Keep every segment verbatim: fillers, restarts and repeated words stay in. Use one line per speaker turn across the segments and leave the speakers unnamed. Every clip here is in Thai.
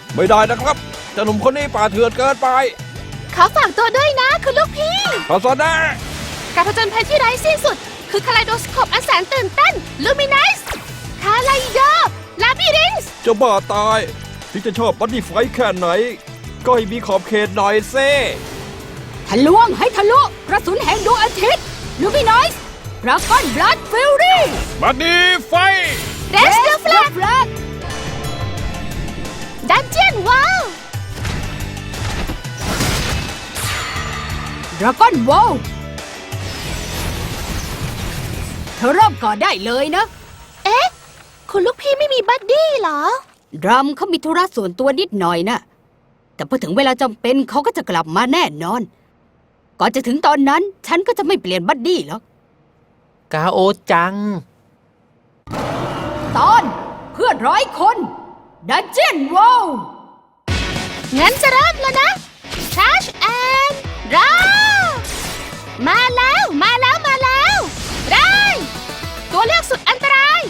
ไม่ได้นะครับเจ้าหนุ่มคนนี้ป่าเถื่อนเกินไป
ขอฝากตัวด้วยนะคุณลูกพี่
ขอสอนนะ
การผจญภัยที่ไร้สิ้นสุดคือคาไลโดสโคปอันแสนตื่นเต้นลูมินัสคาไลโดลาบิรินส์
จะบ้าตายที่จะชอบบัดดี้ไฟแค่ไหนก็ให้มีขอบเขตหน่อยเซ่
ทะลวงให้ทะลุกระสุนแห่งดวงอาทิตย์ลูมินัสดราก้อนบลัดฟิลลี่
บัดดี้ไฟ
เรสเดอร์แฟลกดันเจียนวอล
ดราก้อนวอลเธอเริ่มก่อนได้เลยนะ
เอ๊ะคุณลูกพี่ไม่มีบัดดี้เหรอ
ดรัมเขามีธุระส่วนตัวนิดหน่อยนะแต่พอถึงเวลาจำเป็นเขาก็จะกลับมาแน่นอนก่อนจะถึงตอนนั้นฉันก็จะไม่เปลี่ยนบัดดี้หรอก
กาโอจัง
ตอนเพื่อนร้อยคนดันเจียนวอล
งั้นจะเริ่มแล้วนะชาร์จแอนด์รามาแล้วมาแล้วมาแล้วได้ตัวเลือกสุดอันตราย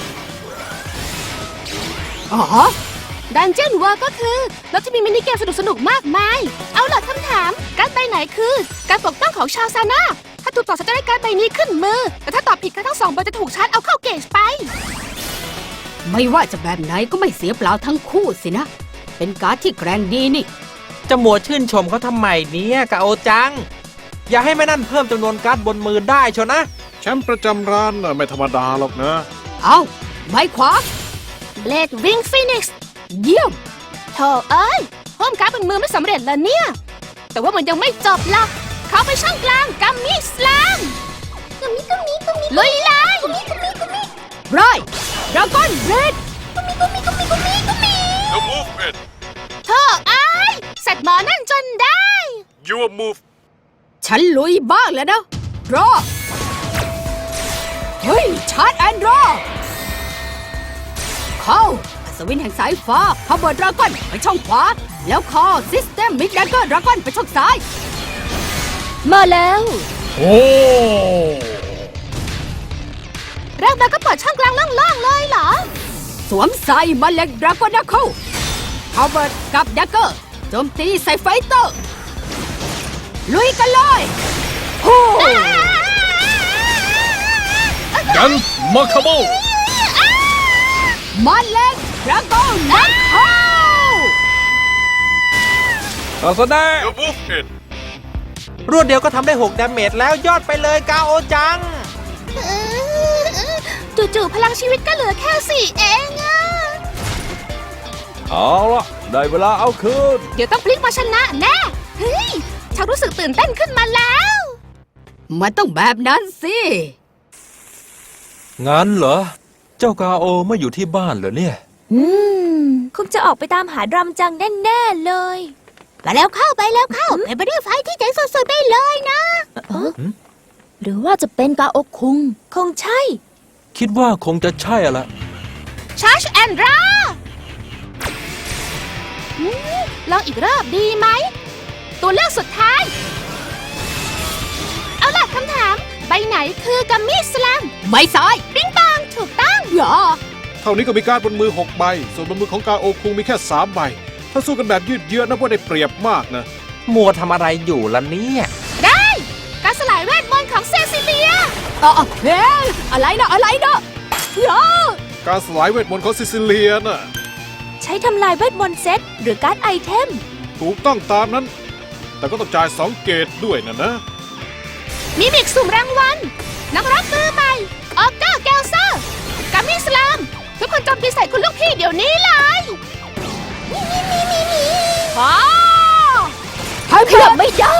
อ๋อ
ดันเจียนวอลก็คือเราจะมีมินิเกมสนุกๆมากมายเอาล่ะคำถามการ์ดใบไหนคือการปกป้องของชาวซาน่าถ้าถูกตอบจะได้การ์ดใบนี้ขึ้นมือแต่ถ้าตอบผิดการ์ดทั้งสองใบจะถูกชาร์จเอาเข้าเกจไป
ไม่ว่าจะแบบไหนก็ไม่เสียเปล่าทั้งคู่สินะเป็นการ์ดที่แกร่งดีนี่
จะมัวชื่นชมเขาทำไมเนี่ยกาโอจังอย่าให้แม่นั่นเพิ่มจำนวนการ์ดบนมือได้ชนะ
แชมป์ประจำร้านไม่ธรรมดาหรอกนะ
เอาไม้ขวา
เบลดวิงฟีนิกซ์
เยี่ยม
โธ่เอ้ยเพิ่มการ์ดบนมือไม่สำเร็จแล้วเนี่ยแต่ว่ามันยังไม่จบหรอกเขาไปช่องกลางกัมมี่สลามกัมมี่กัมมี่กัมมี่ลุยเลยกัมมี่กัมมี่กัมมี่
ไรดราก้อนเรด
กัมมี่กัมมี่กัมมี่กัมมี่กัมมี่
The movement
โธ่เอ้ยเสร็จหมอนั่นจนได้
Your move
ฉันลุยบ้างแล้วนะรอเฮ้ยชาร์จแอนด์รอเข้าอัศวินแห่งสายฟ้าพาวเวอร์ดราก้อนไปช่องขวาแล้วคอซิสเต็มมิกแดกเกอร์ดราก้อนไปช่องซ้าย
มาแล้ว
โอ้
แรกมาก็เปิดช่องกลางล่างๆเลยเหรอ
สวมใส่มาเล็กดราก้อนดักเคิลพาวเวอร์กับดักเกอร์โจมตีใส่ไฟเตอร์ลุยกันเลยโอ้
กันมาคาโบ
มาเล็กดราก้อนดักเคิล
ต่อสนาย
รวดเดียวก็ทำได้หกดาเมจแล้วยอดไปเลยกาโอจัง
จู่ๆพลังชีวิตก็เหลือแค่สี่เองอะ
เอาละได้เวลาเอาคืน
เดี๋ยวต้องพลิกมาชนะแน่เฮ้ยฉันรู้สึกตื่นเต้นขึ้นมาแล้ว
มันต้องแบบนั้นสิ
งั้นเหรอเจ้ากาโอไม่อยู่ที่บ้านเหรอเนี่ย
อืมคงจะออกไปตามหาดรัมจังแน่ๆเลยไปแล้วเข้าไปแล้วเข้าไปไปด้วยไฟที่เจ๋งสุดๆไปเลยนะหรือว่าจะเป็นกาโอคุงคงใช่
คิดว่าคงจะใช่ละ
ชาร์จแอนด์ราลองอีกรอบดีไหมตัวเลือกสุดท้ายเอาล่ะคำถามใบไหนคือกัมมี่สแลม
ใบซ้าย
ปิ๊งปองถูกต้อง
อย่า
เท่านี้ก็มีการบนมือหกใบส่วนบนมือของกาโอคุงมีแค่สามใบถ้าสู้กันแบบยืดเยื้อนับว่าได้เปรียบมากนะ
มัวทำอะไรอยู่ล่ะเนี่ย
ได้การสลายเวทมนต์ของเซซิเลีย
อ๋อเฮ้ยอะไรนะอะไรนะอย่า
การสลายเวทมนต์ของเซซิเลียน่ะ
ใช้ทำลายเวทมนต์เซตหรือการ์ดไอเทม
ถูกต้องตามนั้นแต่ก็ต้องจ่ายสองเกตด้วยนะนะ
มิมิกสุ่มรางวัลนักรับมือใหม่ออก้าแกลเซอร์กัมมี่สลามทุกคนโจมตีใส่คุณลูกพี่เดี๋ยวนี้เลยมีมีมีมีมีอ๋อ
ขยับไม่ได้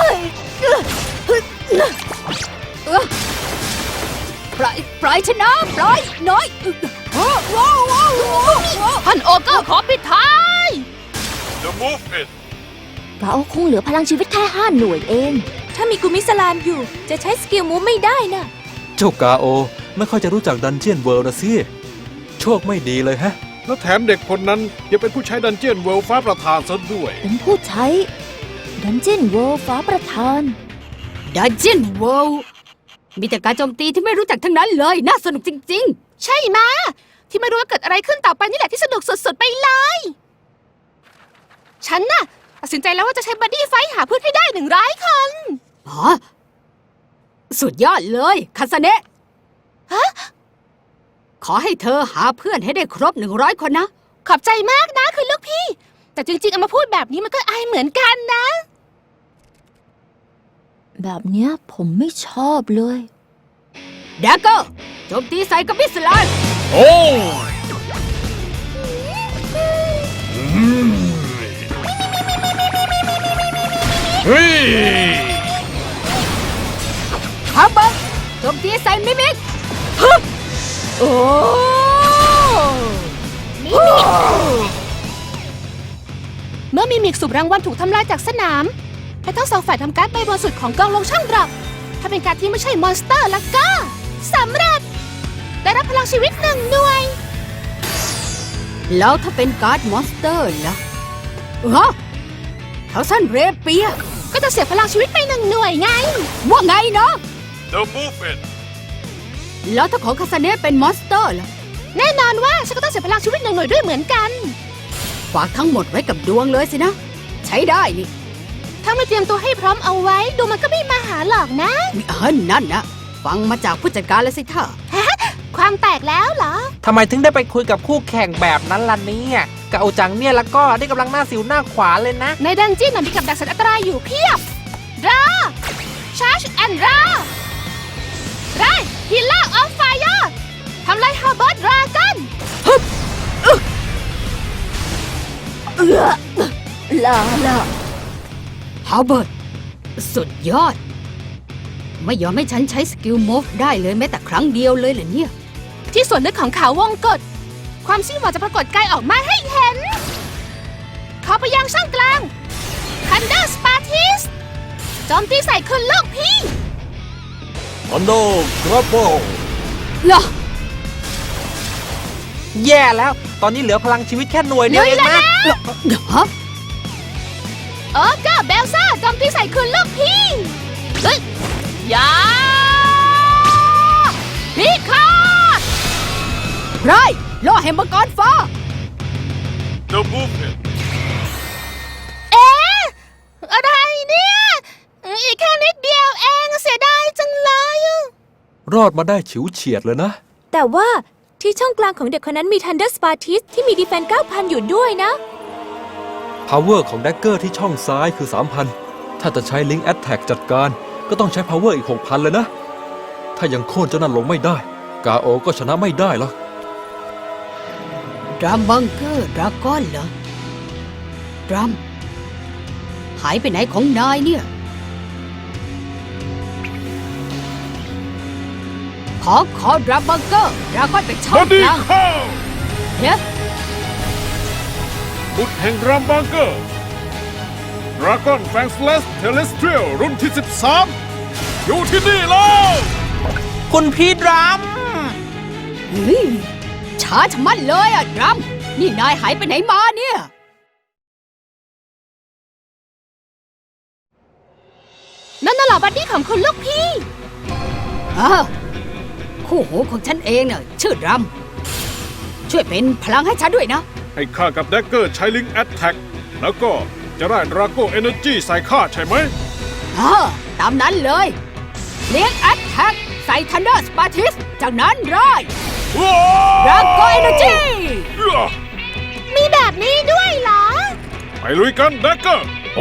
ปล่อยปล่อยชนะปล่อยน้อยว้าวว้าวว้าว
ท่านโอเกอร์ขอปิดท้าย
The movement
กาโอคุงเหลือพลังชีวิตแค่ห้าหน่วยเองถ้ามีกุมิสลามอยู่จะใช้สกิลมูฟไม่ได้นะ
เจ้ากาโอไม่ค่อยจะรู้จักดันเจียนเวิลด์นะสิโชคไม่ดีเลยฮะแล้วแถมเด็กคนนั้นยังเป็นผู้ใช้ดันเจียนเวิลด์ฟ้าประธานซะด้วย
เป็นผู้ใช้ดันเจียนเวิลด์ฟ้าประธาน
ดันเจียนเวิลด์มีแต่การโจมตีที่ไม่รู้จักทั้งนั้นเลยน่าสนุกจริง
ๆใช่ไหมที่ไม่รู้ว่าเกิดอะไรขึ้นต่อไปนี่แหละที่สนุกสุดๆไปเลยฉันน่ะตัดสินใจแล้วว่าจะใช้บัดดี้ไฟท์หาเพื่อนให้ได้หนึ่งร้อยคน
ฮะสุดยอดเลยคาสเนะ
ฮะ
ขอให้เธอหาเพื่อนให้ได้ครบหนึ่งร้อยคนนะ
ขอบใจมากนะคุณลูกพี่ แต่จริงๆเอามาพูดแบบนี้มันก็อายเหมือนกันนะ
แบบเนี้ยผมไม่ชอบเลย
แดกเกอร์โจมตีใส่กับมิสไลน์
โอ้ เฮ้ย
ฮาเบอร์โจมตีใส่มิมิกโอ้
เมื่อมีมิกสูบรางวัลถูกทำลายจากสนามให้ทั้งสองฝ่ายทำการ์ดใบบนสุดของกองลงช่องดรอปถ้าเป็นการดที่ไม่ใช่มอนสเตอร์แล้วก็สำเร็จ ได้รับพลังชีวิตหนึ่งหน่วย
แล้วถ้าเป็นการ์ดมอนสเตอร์ล่ะฮะเท้าสั้นเรเปีย
ก็จะเสียพลังชีวิตไปหนึ่งหน่วยไง
ว่าไงเนาะ
The movement
แล้วถ้าของคาสเนะเป็นมอนสเตอร์ล่ะ
แน่นอนว่าฉันก็ต้องเสียพลังชีวิตหนึ่งหน่วยด้วยเหมือนกัน
ฝากทั้งหมดไว้กับดวงเลยสินะ ใช้ได้นี่
ถ้าไม่เตรียมตัวให้พร้อมเอาไว้ดูมันก็ไม่มาหาหรอกนะ
เออนั่นนะฟังมาจากผู้จัดการแล้วสิท่า
ความแตกแล้วเหรอ
ทำไมถึงได้ไปคุยกับคู่แข่งแบบนั้นล่ะเนี่ยกะโอจังเนี่ยแล้วก็ได้กำลังหน้าสิวหน้าขวานเลยนะ
ในดันเจี้ยนน่ะมีกับดักสัตว์อันตรายอยู่เพียบรอชาร์จแอนด์รอไรฮิลล่าออฟไฟร์ทำลายฮาร์เบิร์ดดราก้อน
เออลาละ
ฮาวเบิร์ตสุดยอด ไม่ยอมให้ฉันใช้สกิลมูฟได้เลยแม้แต่ครั้งเดียวเลยเหรอเนี่ย
ที่ส่วนลึกของเขาวงกฏความสิ้นหวังจะปรากฏกายออกมาให้เห็น ขอไปยังช่องกลางคันเดอร์สปาทิสโจมตีใส่คุณลูกพี่
อันโดครับโบ
เหรอ
แย่แล้ว ตอนนี้เหลือพลังชีวิตแค่หน่วยเดียวเองนะ
ฮะ
โอเกอร์เบลซ่าโจมตีใส่คุณลูกพี่เฮ้ยยาพิฆาต
ไรล่อแฮมเบอร์กอนฟ้า
The movement
เอ๊ะอะไรเนี่ย อีกแค่นิดเดียวเองเสียดายจังเลยอะ
รอดมาได้ฉิวเฉียดเลยนะ
แต่ว่าที่ช่องกลางของเด็กคนนั้นมี Thunder Spartis ที่มีดีเฟนเก้าพันอยู่ด้วยนะ
Power ของ Dagger ที่ช่องซ้ายคือ สามพัน ถ้าจะใช้ Link Attack จัดการก็ต้องใช้ Power อีก หกพัน เลยนะ ถ้ายังโค่นเจ้านั่นลงไม่ได้ กาโอก็ชนะไม่ได้หรอก
ดรัมบังเกอร์ดราก้อนเหรอ ดรัม หายไปไหนของนายเนี่ย ขอขอดรัมบังเกอร์ดราก้อนไปช่องกลางเฮ้ย
บุตรแห่งรัมบังเกอร์ดราก้อนแฟงสเลสเทเลสเทรียลรุ่นที่ สิบสาม อยู่ที่นี่แล้ว
คุณพี่ดรัม
เฮ้ยช้าชะมัดเลยอ่ะดรัม นี่นายหายไปไหนมาเนี่ย
นั่นน่ะเหรอบัดดี้ของคุณลูกพี่
อ้าวคู่หูของฉันเองเน่ะชื่อดรัม ช่วยเป็นพลังให้ฉันด้วยนะ
ให้ข้ากับแดกเกอร์ใช้ Link Attack แล้วก็จะได้ Drago Energy ใส่ข้าใช่ไหม
อ่าตามนั้นเลยเลี้ยงแอตแทกใส่ทันเดอร์สปาทิสจากนั้นร้อยดราโกเอเนอร์จี
มีแบบนี้ด้วยเหรอ
ไปลุยกันแดกเกอร์
โอ้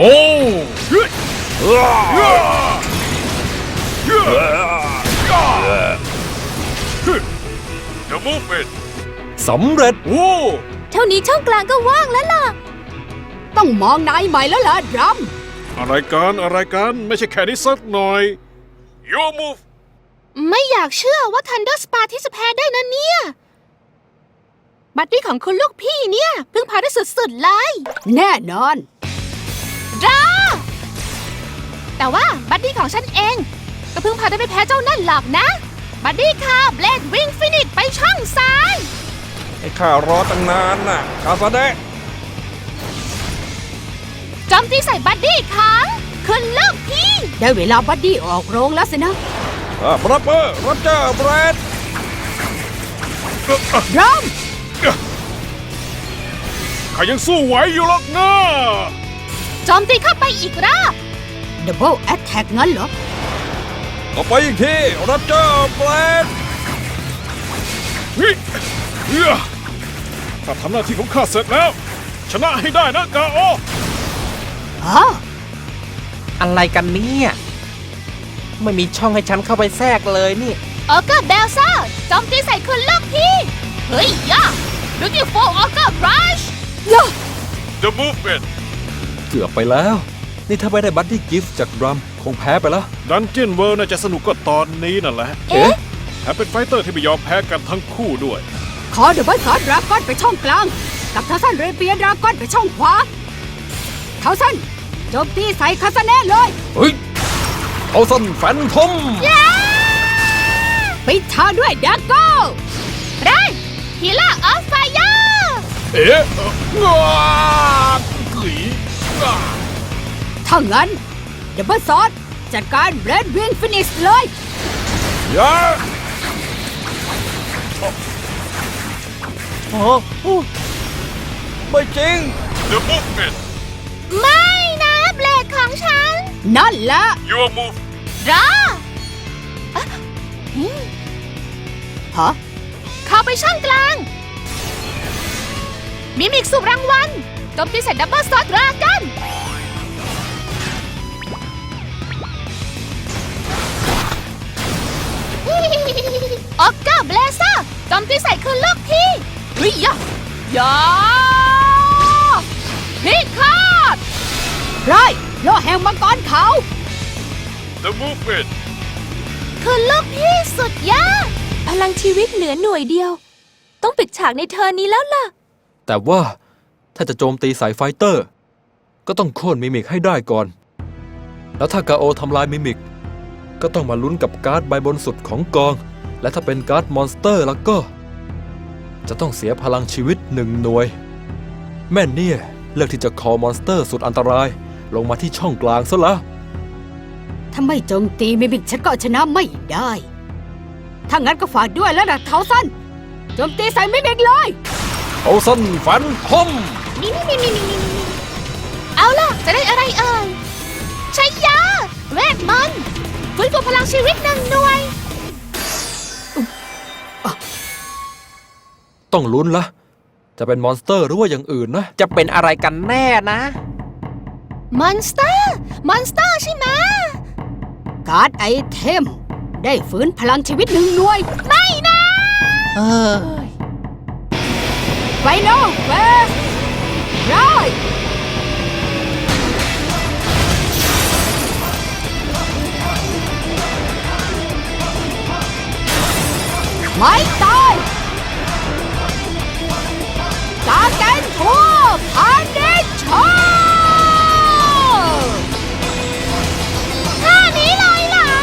The movement
สำเร็จ
โอ้
เท่านี้ช่องกลางก็ว่างแล้วล่ะ
ต้องมองนายใหม่แล้วล่ะดรัม
อะไรกันอะไรกันไม่ใช่แค่นี้สักหน่อย Your move
ไม่อยากเชื่อว่าทันเดอร์สปาที่จะแพ้ได้นะเนี่ย บัดดี้ของคุณลูกพี่เนี่ยเพิ่งพาได้สุดๆเลย
แน่นอน
ดราแต่ว่าบัดดี้ของฉันเองก็เพิ่งพาได้ไปแพ้เจ้านั่นหรอกนะ บัดดี้ค่ะเบลดวิ่งฟินิชไปช่องซ้าย
ให้ข้ารอตั้งนานน่ะคาซาเดะ
โจมตีใส่บัดดี้ของคุณลูกพี่
ได้เวลาบัดดี้ออกโรงแล้วสินะ
บรับเบอร์โรเจอร์เบรด
ดรัม
ข้ายังสู้ไหวอยู่หรอกนะ
โจมตีเข้าไปอีกรอบ
ดับเบิลแอตแทกงั้นเหรอ
ต่อไปอีกทีรับเจอร์เบลด
เฮ้ยเฮ้ยข้าทำหน้าที่ของข้าเสร็จแล้ว ชนะให้ได้นะกาโอ
อ๋อ
อะไรกันเนี่ยไม่มีช่องให้ฉันเข้าไปแทรกเลยนี่
ออเกอร์เบลซ่าโจมตีใส่คุณลูกพี่ เฮ้ยย่า Beautiful ออเกอร์บรัช
The Movement
เกือบไปแล้ว นี่ถ้าไม่ได้บัดดี้กิฟต์จากดรัมคงแพ้ไปแล้ว
ดันเจียนเวิร์น่าจะสนุกก็ตอนนี้นั่นแหละ
เอ๊ะ
แถมเป็นไฟเตอร์ที่ไม่ยอมแพ้กันทั้งคู่ด้วย
ขอดับเบิลซอสดราก้อนไปช่องกลาง กับเทาซันเรเปียดราก้อนไปช่องขวาเทาซันโจมตีใส่คาสเน่เลย
เฮ้ยเอาสั้นแฟนทอม
ปิดทางด้วยดักโก้
ไรฮีล่าออฟไฟยา
เอ๊ะงากุ๋ยงา
ถ้างั้นดับเบิลซอสจัดการเรดวิงฟินิชเลย
ยา
โอ้โหไม่จริง
The Movement
ไม่นะเบลดของฉัน
นั่นละ
Your Move
รออ่ะอืม
ฮะ
เข้าไปช่องกลาง มิมิกสุ่มรางวัลโจมตีใส่ดับเบิลซอสดรากัน ออกเกอร์เบลเซอร์โจมตีใส่คุณลูกพี่เฮ้ยยะยาพิฆาต
ไรโลแห่งมังกรเขา
The Movement
คุณลูกพี่สุดยอด
พลังชีวิตเหลือหน่วยเดียว ต้องปิดฉากในเทอร์นนี้แล้วล่ะ
แต่ว่าถ้าจะโจมตีสายไฟเตอร์ ก็ต้องโค่นมิมิกให้ได้ก่อน แล้วถ้ากาโอทำลายมิมิก ก็ต้องมาลุ้นกับการ์ดใบบนสุดของกอง และถ้าเป็นการ์ดมอนสเตอร์แล้วก็ จะต้องเสียพลังชีวิตหนึ่งหน่วย แม่เนี่ยเลือกที่จะคอมอนสเตอร์สุดอันตราย ลงมาที่ช่องกลางซะละ
ถ้าไม่โจมตีมิมิกฉันก็ชนะไม่ได้ ถ้างั้นก็ฝากด้วยแล้วนะเทาซันโจมตีใส่มิมิกเลย
เอาสั้นแฟนทอม
มิมิมิมิมิมิมิเอาล่ะ จะได้อะไรเอ่ยใช้ยา เวทมนต์ฟื้นฟูพลังชีวิตหนึ่งหน่วย
ต้องลุ้นละ จะเป็นมอนสเตอร์หรือว่าอย่างอื่นนะ
จะเป็นอะไรกันแน่นะ
มอนสเตอร์ มอนสเตอร์ใช่ไหม
การ์ดไอเทม ได้ฟื้นพลังชีวิตหนึ่งหน่วย
ไม่นะ
เออ
ไฟนอลเฟสไรไม่ตายกาแกนทัวพานิชโช
ท่านี้เลยเหรอ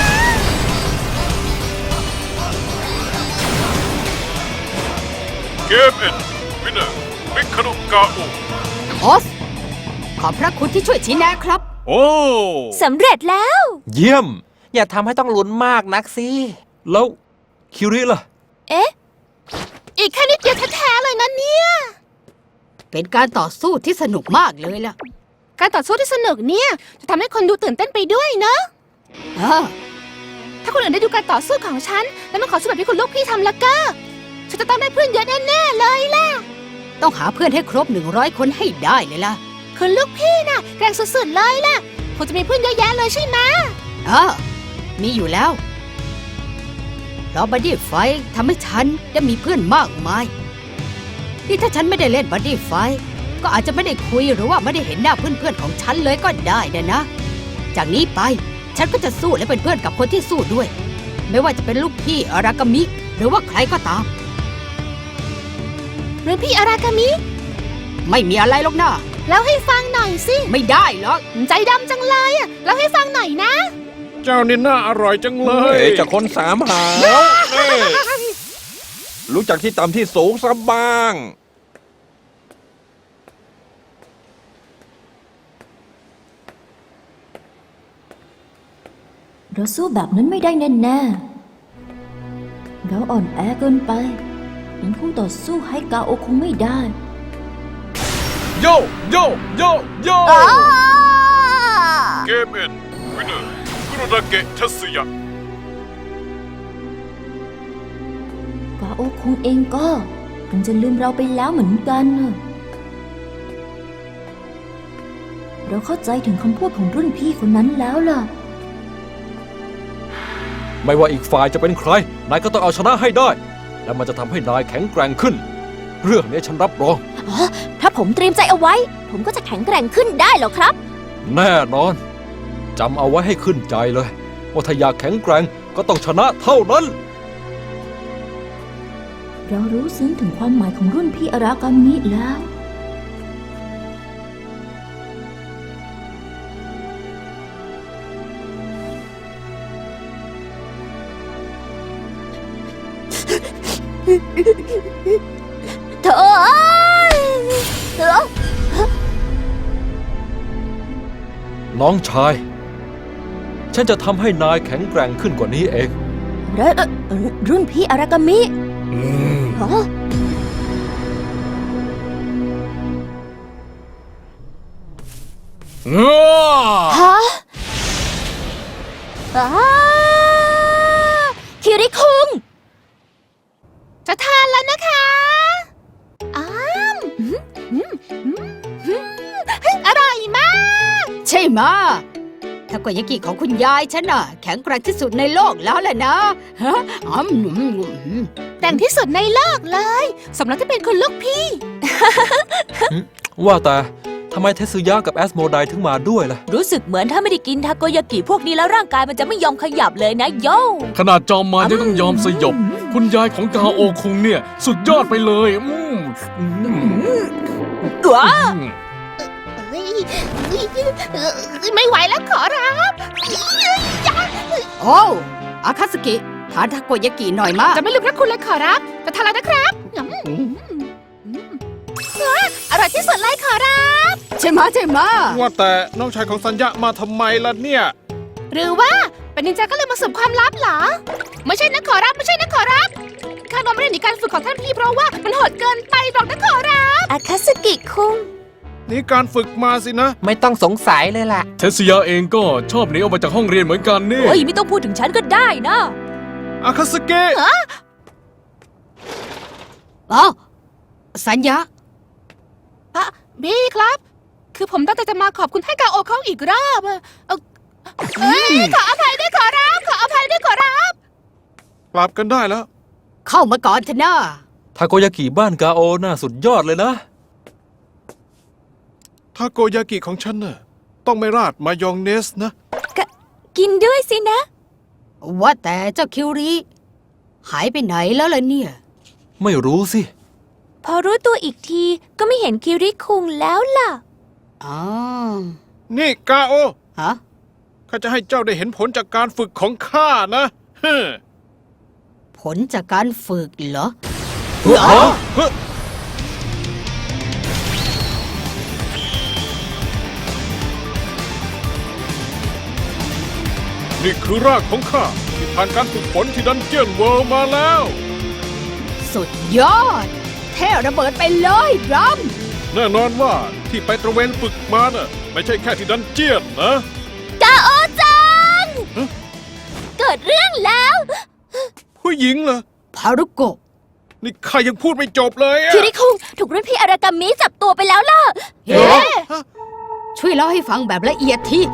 Game End Winner มิคาโนกาโอ
ออส ขอบพระคุณที่ช่วยชี้แนะครับ
โอ้
สำเร็จแล้ว
เยี่ยม
อย่าทำให้ต้องลุ้นมากนักสิ
แล้วคิริล่ะ
เอ๊ะ
อีกแค่นิดเดียวแท้ๆเลยนะเนี่ย
เป็นการต่อสู้ที่สนุกมากเลยล่ะ
การต่อสู้ที่สนุกเนี่ย จะทำให้คนดูตื่นเต้นไปด้วยเนอะ
เออ
ถ้าคนอื่นได้ดูการต่อสู้ของฉัน แล้วมาขอสู้แบบที่คุณลูกพี่ทำแล้วก็ ฉันจะต้องได้เพื่อนเยอะแน่ๆเลยล่ะ
ต้องหาเพื่อนให้ครบหนึ่งร้อยคนให้ได้เลยล่ะ
คุณลูกพี่น่ะแกร่งสุดๆเลยล่ะคงจะมีเพื่อนเยอะแยะเลยใช่ไหม
เออ มีอยู่แล้ว เพราะบัดดี้ไฟท์ทำให้ฉันได้มีเพื่อนมากมาย ที่ถ้าฉันไม่ได้เล่นบัดดี้ไฟท์ก็อาจจะไม่ได้คุยหรือว่าไม่ได้เห็นหน้าเพื่อนๆของฉันเลยก็ได้นะนะ จากนี้ไปฉันก็จะสู้และเป็นเพื่อนกับคนที่สู้ด้วย ไม่ว่าจะเป็นลูกพี่อารากามิ หรือว่าใครก็ตาม
หรือพี่อารากามิ
ไม่มีอะไรหรอกนะ
แล้วให้ฟังหน่อยสิ
ไม่ได้หรอก
ใจดำจังเลยอ่ะแล้วให้ฟังหน่อยนะ
เจ้านี่น่าอร่อยจังเลย
เอ๋จากคนสามหาวนี่รู้จักที่ต่ำที่สูงซะบ้าง
เราสู้แบบนั้นไม่ได้แน่ๆเราอ่อนแอเกินไปเป็นคู่ต่อสู้ให้กาโอคงไม่ได้
โยโยโยโยเกมเอ็นวินเนอร์คุโรดาเกะทัสึยะ
กาโอคงเองก็คงจะลืมเราไปแล้วเหมือนกันน่ะเราเข้าใจถึงคำพูดของรุ่นพี่คนนั้นแล้วล่ะ
ไม่ว่าอีกฝ่ายจะเป็นใคร นายก็ต้องเอาชนะให้ได้ และมันจะทำให้นายแข็งแกร่งขึ้น เรื่องนี้ฉันรับรอง
ถ้าผมเตรียมใจเอาไว้ ผมก็จะแข็งแกร่งขึ้นได้หรอครับ
แน่นอนจำเอาไว้ให้ขึ้นใจเลยว่าถ้าอยากแข็งแกร่งก็ต้องชนะเท่านั้น
เรารู้ซึ้งถึงความหมายของรุ่นพี่อารากามิแล้ว
เธอเธอ
น้องชาย ฉันจะทำให้นายแข็งแกร่งขึ้นกว่านี้เอง
เอ่อเอ่อรุ่นพี่อารากามิฮะ
ฮะอ้าคิริคุง
จะทานแล้วนะคะอ้ามอืมอืมอืมอืมอร่อยมาก
ใช่ไหมะทาโกยากิของคุณยายฉันน่ะ แข็งแกร่งที่สุดในโลกแล้วแหละนะฮะอืมอืมอืม
แต่งที่สุดในโลกเลยสมแล้วที่เป็นคุณลูกพี่
ว่าแต่ทำไมเทสึยะกับแอสโมไดถึงมาด้วยล่ะ
รู้สึกเหมือนถ้าไม่ได้กินทาโกยากิพวกนี้แล้วร่างกายมันจะไม่ยอมขยับเลยนะโย่
ขนาดจอมมารยังต้องยอมสยบ คุณยายของกาโอคุงเนี่ย สุดยอดไปเลยอืมอืม
ว้า
เฮ้ยไม่ไหวแล้วขอรับ
โอ้อาคาสกิทานทาโกยากิหน่อยมาก
จะไม่ลืมพระคุณเลยขอรับจะทานแล้วนะครับอืมว้าอร่อยที่สุดเลยขอรับ
ใช่ไหมะใช่ไหมะ
ว่าแต่น้องชายของสัญญามาทำไมล่ะเนี่ย
หรือว่าเป็นนินจาก็เลยมาสืบความลับเหรอ ไม่ใช่นะขอรับไม่ใช่นะขอรับข้าน้องไม่ได้หนีการฝึกของท่านพี่เพราะว่ามันโหดเกินไปหรอกนะขอรับ
อาคาสกิคุง
นี่การฝึกมาสินะ
ไม่ต้องสงสัยเลยล่ะ
เทสยาเองก็ชอบหนีออกมาจากห้องเรียนเหมือนกันนี่
โอ้ยไม่ต้องพูดถึงฉันก็ได้นะ
อาคาสเกะ
อ๋อสัญญา
อะบี้ครับ คือผมตั้งใจจะมาขอบคุณให้กาโอเขาอีกรอบอะเอ่อเอ้ยขออภัยด้วยขอรับ ขออภัยด้วยขอรับ
กลับกันได้แล้ว
เข้ามาก่อนเถอะนะ
ทาโกยากิบ้านกาโอน่าสุดยอดเลยนะ
ทาโกยากิของฉันน่ะต้องไม่ราดมายองเนสนะ
กินด้วยสินะ
ว่าแต่เจ้าคิวริหายไปไหนแล้วล่ะเนี่ย
ไม่รู้สิ
พอรู้ตัวอีกทีก็ไม่เห็นคิริคุงแล้วล่ะ
อ๋อ
นี่กาโอ
ฮะ
ข้าจะให้เจ้าได้เห็นผลจากการฝึกของข้านะเฮ้อ
ผลจากการฝึกเหรอ
เฮ้อนี่คือรากของข้าที่ผ่านการฝึกฝนที่ดันเจียนเวิลด์มาแล้ว
สุดยอด เท่ระเบิดไปเลยดรัม
แน่นอนว่าที่ไปตระเวนฝึกมาน่ะไม่ใช่แค่ที่ดันเจียนนะ
กาโอจัง เกิดเรื่องแล้ว
ผู้หญิงเหรอ
พารุโกะ
นี่ข้ายังพูดไม่จบเลยอะ
คิริคุงถูกรุ่นพี่อารากามิจับตัวไปแล้วล่ะ
เฮ้ช่วยเล่าให้ฟังแบบละเอียดที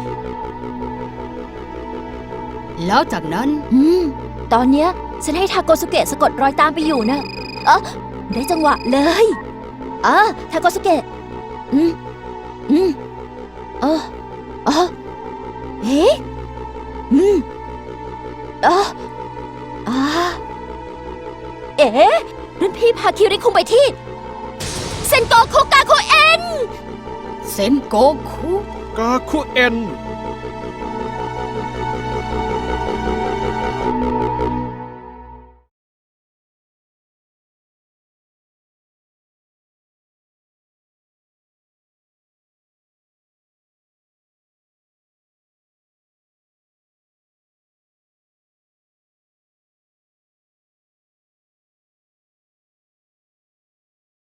แล้วจากนั้น
อืม ตอนเนี้ยฉันให้ทาโกสุเกะสะกดรอยตามไปอยู่นะเออได้จังหวะเลยอ่ะทาโกสุเกะอืม อืมเออเออเฮ้อืมเอออ่าเอ๋รุ่นพี่พาคิริคุงไปที่ เซนโกคุกาคุเอ็น
เซนโกคุ
กาคุเอ็น